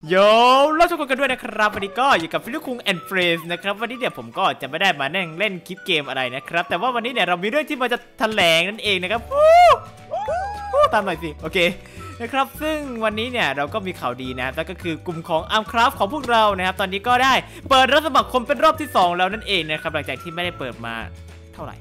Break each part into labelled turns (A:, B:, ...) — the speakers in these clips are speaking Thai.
A: โยเราทุกคนกันด้วยนะครับวันนี้ก็อยู่กับฟิลิปคุงแอนด์เฟรนด์นะครับวันนี้เนี่ยผมก็จะไม่ได้มานั่งเล่นคลิปเกมอะไรนะครับแต่ว่าวันนี้เนี่ยเรามีเรื่องที่มาจะแถลงนั่นเองนะครับตามหน่อยสิโอเคนะครับซึ่งวันนี้เนี่ยเราก็มีข่าวดีนะนั่นก็คือกลุ่มของ Armcraft ของพวกเรานะครับตอนนี้ก็ได้เปิดรับสมัครคนเป็นรอบที่2แล้วนั่นเองนะครับหลังจากที่ไม่ได้เปิดมาเท่าไหร่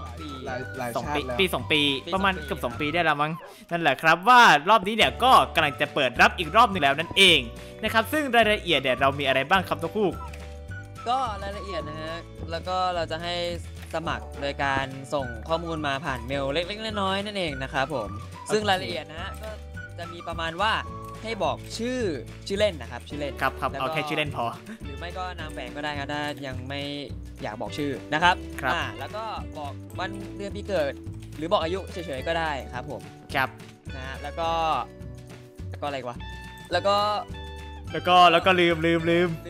A: 2 ปีประมาณเกือบ2 ปีได้แล้วมั้งนั่นแหละครับว่ารอบนี้เนี่ยก็กำลังจะเปิดรับอีกรอบนึงแล้วนั่นเองนะครับซึ่งรายละเอียดเนี่ยเรามีอะไรบ้างครับทุกคู่
B: ก็รายละเอียดนะฮะแล้วก็เราจะให้สมัครโดยการส่งข้อมูลมาผ่านเมลเล็กๆน้อยๆนั่นเองนะครับผมซึ่งรายละเอียดนะฮะก็จะมีประมาณว่าให้บอกชื่อเล่นนะครับชื่อเล่น
A: ครับเอาแค่ชื่อเล่นพอ
B: หรือไม่ก็นามแฝงก็ได้ครับถ้ายังไม่อยากบอกชื่อนะครับแล้วก็บอกวันเดือนปีเกิดหรือบอกอายุเฉยๆก็ได้ครับผม
A: ครับ
B: นะแล้วก็อะไรวะแล้วก็
A: ลืมเปิด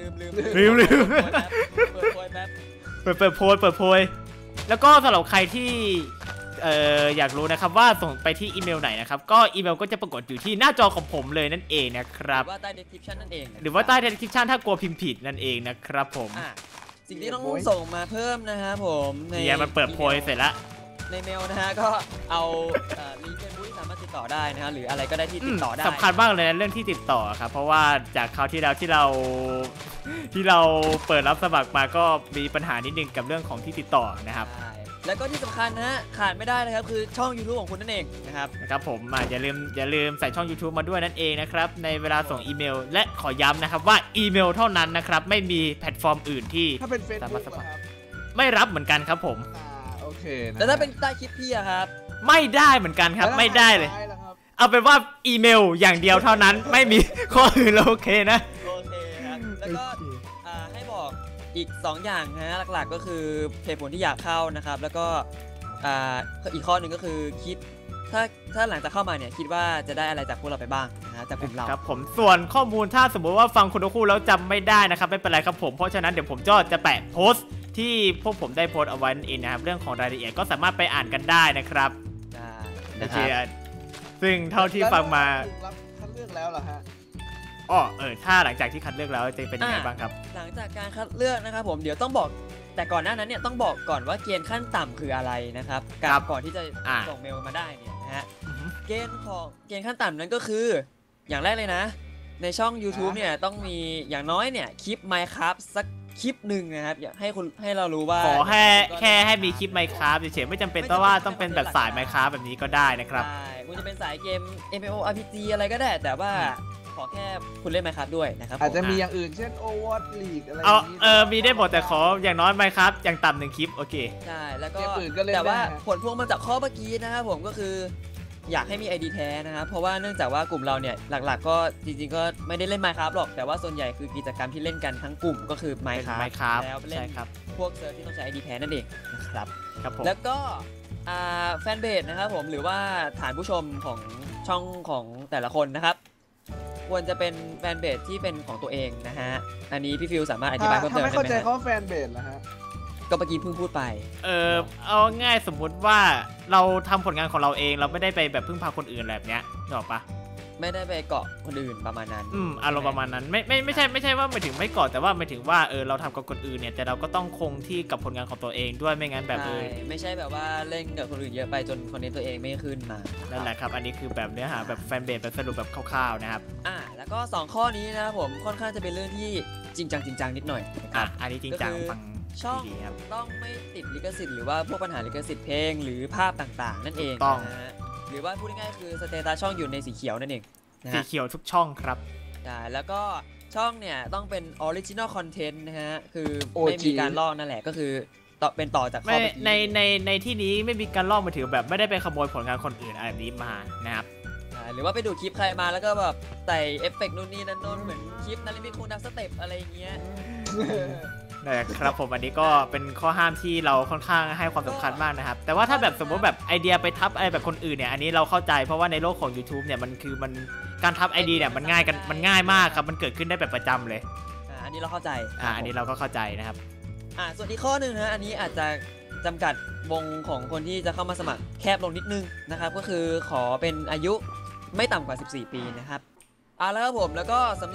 A: โพยแล้วก็สำหรับใครที่อยากรู้นะครับว่าส่งไปที่อีเมลไหนนะครับก็อีเมลก็จะปรากฏอยู่ที่หน้าจอของผมเลยนั่นเองนะครับ
B: หรือว่าใต้ description นั่นเอง
A: หรือว่าใต้ description ถ้ากลัวพิมพ์ผิดนั่นเองนะครับผม
B: สิ่งที่ต้องส่งมาเพิ่มนะครับผม
A: เนี่ยมันเปิดโพยเสร็จแล้ว
B: ในเมลนะฮะก็เอาลิงก์เฟซบุ๊กที่สามารถติดต่อได้นะฮะหรืออะไรก็ได้ที่ติดต่อได้
A: สำคัญมากเลยนะเรื่องที่ติดต่อครับเพราะว่าจากคราวที่แล้วที่เราเปิดรับสมัครมาก็มีปัญหานิดนึงกับเรื่องของที่ติดต่อนะครับ
B: แล้วก็ที่สำคัญนะฮะขาดไม่ได้เลยครับคือช่อง YouTube ของคุณนั่นเองนะครับ
A: ผมอย่าลืมใส่ช่อง YouTube มาด้วยนั่นเองนะครับในเวลาส่งอีเมลและขอย้ำนะครับว่าอีเมลเท่านั้นนะครับไม่มีแพลตฟอร์มอื่นที่สามารถสมัครไม่รับเหมือนกันครับผม
B: โอเคแต่ถ้าเป็นใต้คลิปพี่ครับ
A: ไม่ได้เหมือนกันครับไม่ได้เลยเอาเป็นว่าอีเมลอย่างเดียวเท่านั้นไม่มีข้ออื่นโอเคนะ
B: โอเคครับแล้วก็ให้บอกอีก2อย่างนะหลักๆก็คือเหตุผลที่อยากเข้านะครับแล้วก็อีกข้อหนึ่งก็คือคิดถ้าหลังจากเข้ามาเนี่ยคิดว่าจะได้อะไรจากพวกเราไปบ้างนะจากกลุ่มเรา
A: ครับผมส่วนข้อมูลถ้าสมมติว่าฟังคุณคู่แล้วจำไม่ได้นะครับไม่เป็นไรครับผมเพราะฉะนั้นเดี๋ยวผมจะแปะโพสต์ที่พวกผมได้โพสต์เอาไว้นั่นเองนะครับเรื่องของรายละเอียดก็สามารถไปอ่านกันได้นะครับโอเคซึ่งเท่าที่ฟังมา
C: คัดเลือกแล้วเหรอฮะ
A: ถ้าหลังจากที่คัดเลือกแล้วจะเป็นยังไงบ้างครับ
B: หลังจากการคัดเลือกนะครับผมเดี๋ยวต้องบอกแต่ก่อนหน้านั้นเนี่ยต้องบอกก่อนว่าเกณฑ์ขั้นต่ำคืออะไรนะครับก่อนที่จะส่งเมลมาได้เนี่ยนะฮะเกณฑ์ขั้นต่ำนั้นก็คืออย่างแรกเลยนะในช่อง YouTube เนี่ยต้องมีอย่างน้อยเนี่ยคลิป Minecraft สักคลิปหนึ่งนะครับอยากให้เรารู้ว่า
A: ขอแค่ให้มีคลิป Minecraft เฉยๆไม่จำเป็นว่าต้องเป็นแบบสาย Minecraft แบบนี้ก็ได้นะครับ
B: ใช่คุณจะเป็นสายเกม MMORPG อะไรก็ได้แต่ว่าขอแค่คุณเล่น Minecraft ด้วยนะครับ
C: อาจจะมีอย่างอื่นเช่น Overwatch League อะไร
A: มีได้หมดแต่ขออย่างน้อย Minecraft อย่างต่ำ1คลิปโอเค
B: ใช่แล้วก็แต่ว่าผลพวงมาจากข้อเมื่อกี้นะครับผมก็คืออยากให้มี ID แท้นะครับเพราะว่าเนื่องจากว่ากลุ่มเราเนี่ยหลักๆก็จริงๆก็ไม่ได้เล่น Minecraft หรอกแต่ว่าส่วนใหญ่คือกิจกรรมที่เล่นกันทั้งกลุ่มก็คือ Minecraft แล้วเล่นพวกเซิร์ฟที่ต้องใช้ ID แท้นั่นเองนะครับแล้วก็แฟนเพจนะครับผมหรือว่าฐานผู้ชมของช่องของแต่ละคนนะครับควรจะเป็นแฟนเพจที่เป็นของตัวเองนะฮะอันนี้พี่ฟิวสามารถอธิบายเพิ่มเติมได้ไหม
C: ถ้าไม่เข้าใจเขาแฟนเพจนะฮะ
B: ก็เมื่อกี้เพิ่งพูดไป
A: เอาง่ายสมมุติว่าเราทำผลงานของเราเองเราไม่ได้ไปแบบพึ่งพาคนอื่นแบบเนี้ยนึกออกปะ
B: ไม่ได้ไปเกาะคนอื่นประมาณนั้น
A: อารมณ์ประมาณนั้นไม่ใช่ว่าหมายถึงไม่เกาะแต่ว่าหมายถึงว่าเราทำกับคนอื่นเนี่ยแต่เราก็ต้องคงที่กับผลงานของตัวเองด้วยไม่งั้นแบบ
B: ไม่ใช่แบบว่าเล่นกับคนอื่นเยอะไปจนคอนเทนต์ตัวเองไม่ขึ้นมา
A: นั่นแหละครับอันนี้คือแบบเนื้อหาแบบแฟนเบสแบบสรุปแบบคร่าวๆนะครับ
B: แล้วก็2ข้อนี้นะครับผมค่อนข้างจะเป็นเรื่องที่จริงจังนิดหน่อย
A: อันนี้จริงจังฟัง
B: ช่องต้องไม่ติดลิขสิทธิ์หรือว่าพวกปัญหาลิขสิทธิ์เพลงหรือภาพต่างๆนั่นเองนะฮะหรือว่าพูดง่ายๆคือสเตตัสช่องอยู่ในสีเขียวนั่นเอง
A: สีเขียวทุกช่องครับ
B: แล้วก็ช่องเนี่ยต้องเป็นออริจินอลคอนเทนต์นะฮะคือไม่มีการลอกนั่นแหละก็คือเป็นต่อจากข้อ
A: ในที่นี้ไม่มีการลอกมาถือแบบไม่ได้ไปขโมยผลงานคนอื่นอะไรนี้มานะครับ
B: หรือว่าไปดูคลิปใครมาแล้วก็แบบใส่เอฟเฟกต์นู่นนี่นั่นโน้นเหมือนคลิปนาริมิตคงดับสเต็ปอะไรอย่างเงี้ย
A: นะครับผมอันนี้ก็เป็นข้อห้ามที่เราค่อนข้างให้ความสำคัญมากนะครับแต่ว่าถ้าแบบสมมติแบบไอเดียไปทับอะไรแบบคนอื่นเนี่ยอันนี้เราเข้าใจเพราะว่าในโลกของ YouTube เนี่ยมันการทับไอเดียเนี่ยมันง่ายมากครับมันเกิดขึ้นได้แบบประจำเลย
B: อันนี้เราเข้าใจ
A: อันนี้เราก็เข้าใจนะครับ
B: ส่วนอีกข้อหนึ่งนะอันนี้อาจจะจำกัดวงของคนที่จะเข้ามาสมัครแคบลงนิดนึงนะครับก็คือขอเป็นอายุไม่ต่ำกว่า14 ปีนะครับแล้วครับผมแล้วก็สำหรับ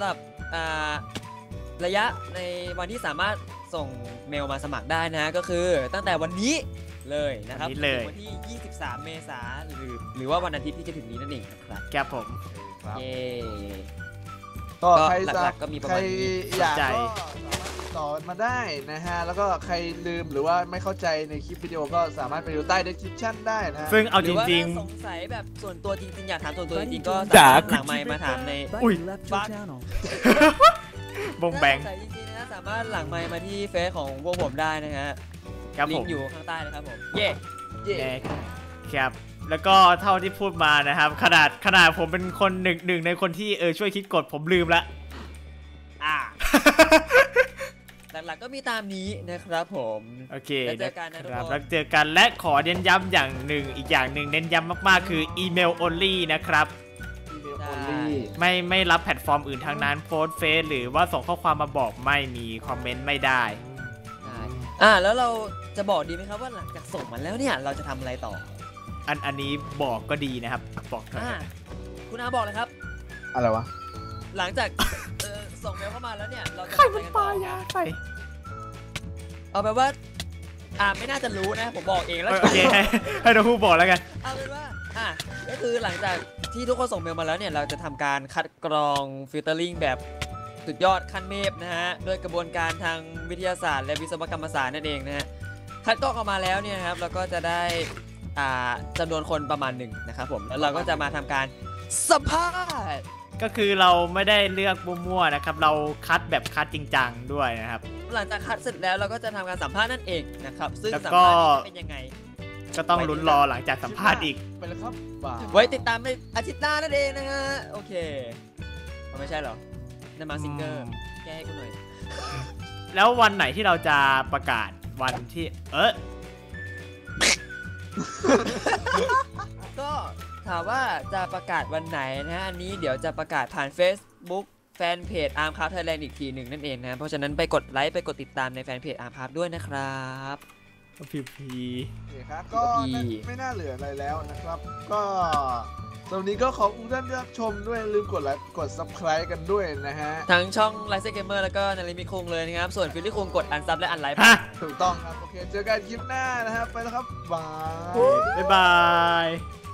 B: ระยะในวันที่สามารถส่งเมลมาสมัครได้นะก็คือตั้งแต่วันนี้เลยนะครับถึงวันที่ 23 เมษายนหรือว่าวันอาทิตย์ที่จะถึงนี้นั่นเองนะครับ
A: ครับผม
B: เย้
C: ก็ใคร
B: หลักๆก็มีประ
C: ใคร
B: มาณนี้
C: อยากก็สามารถติดต่อมาได้นะฮะแล้วก็ใครลืมหรือว่าไม่เข้าใจในคลิปวิดีโอก็สามารถไปดูใต้ description ได้นะฮะ
A: ซึ่งเอา
B: ห
A: จ
B: รือว่า
A: ริง
B: ถ้าสงสัยแบบส่วนตัวจริงๆอยากถามส่วนตัวจริงๆก็
A: จ๋า
B: สามารถหลังไมค์มาถามใน
A: อุ้ย
B: บัก
A: ๆบงแบง
B: ถ้าสงสัยจริงๆนะสามารถหลังไมค์มาที่เฟซของพวกผมได้นะฮะ
A: ครับ
B: ลิ
A: ผ
B: ง
A: ม
B: ก์อยู่ข้างใต้นะครับผมเย่
C: เย่
A: ครับแล้วก็เท่าที่พูดมานะครับขนาดผมเป็นคนหนึ่งในคนที่ช่วยคิดกฎผมลืมละ
B: หลักๆก็มีตามนี้นะครับผม
A: โอเค
B: แล้วเจอกันนะทุกคน
A: แล้วเจอกันและขอเน้นย้ำอย่างหนึ่งอีกอย่างหนึ่งเน้นย้ำมากๆคืออีเมล only นะครับ
C: อีเมล only
A: ไม่รับแพลตฟอร์มอื่นทั้งนั้นโพสเฟซหรือว่าส่งข้อความมาบอกไม่มีคอมเมนต์ไม่ได้
B: แล้วเราจะบอกดีไหมครับว่าหลังจากส่งมาแล้วเนี่ยเราจะทำอะไรต่อ
A: อันนี้บอกก็ดีนะครับบอกหน่อย
B: คุณอาบอกเลยครับ
C: อะไรวะ
B: หลังจากส่งเมลเข้ามาแล้วเนี่ยเราจะ
A: ใคร
B: ทำอะไร
A: มัน
B: กัน
A: ป
B: ต่
A: ลา
B: อย
A: าใส่
B: เอาไปนว่าไม่น่าจะรู้นะผมบอกเองแล้ว
A: โอเคให้เราพูดบอกแล้วกัน
B: เอาเป็นว่าก็คือหลังจากที่ทุกคนส่งเมลมาแล้วเนี่ยเราจะทำการคัดกรองฟิลเตอร์ลิงแบบสุดยอดขั้นเมพนะฮะด้วยกระบวนการทางวิทยาศาสตร์และวิศวกรรมศาสตร์นั่นเองนะฮะคัดกรองออกมาแล้วเนี่ยนะครับเราก็จะได้จำนวนคนประมาณหนึ่งนะครับผมแล้วเราก็จะมาทำการสัมภาษณ์
A: ก็คือเราไม่ได้เลือกมั่วๆนะครับเราคัดแบบคัดจริงจังด้วยนะครับ
B: หลังจากคัดเสร็จแล้วเราก็จะทำการสัมภาษณ์นั่นเองนะครับซึ่ง
A: แล้ว
B: สัม
A: ก็
B: ภาษณ์นี้จะเป็นยังไง
A: ก็ต้องลุ้นรอหลังจากสัมภาษณ์อีก
C: ไปแล้วครับบ่าย
B: ไว้ติดตามในอาทิตย์หน้านั่นเองนะฮะโอเคไม่ใช่เหรอนั่นมาซิงเกอร์แก้ให้กูหน่อย
A: แล้ววันไหนที่เราจะประกาศวันที่
B: ก็ถามว่าจะประกาศวันไหนนะอันนี้เดี๋ยวจะประกาศผ่าน Facebook แฟนเพจ Armcraft Thailand อีกทีหนึ่งนั่นเองนะเพราะฉะนั้นไปกดไลค์ไปกดติดตามในแฟนเพจ Armcraft ด้วยนะครับ
A: พีพี
C: โอเคครับก็ไม่น่าเหลืออะไรแล้วนะครับ ก็สำหรับวันนี้ก็ขอบคุณท่านที่รับชมด้วยอย่าลืมกดไลค์กด subscribe กันด้วยนะฮะ
B: ทั้งช่อง l i เซ Gamer แล้วก็นาริมิคุงเลยนะครับส่วนฟิลลี่คุงกดอันซับและอันไลฟ์
A: ฮะ
C: ถูกต้องครับ โอเค เจอกันคลิปหน้านะครับ ไปแล้วครับบาย
A: บ๊ายบาย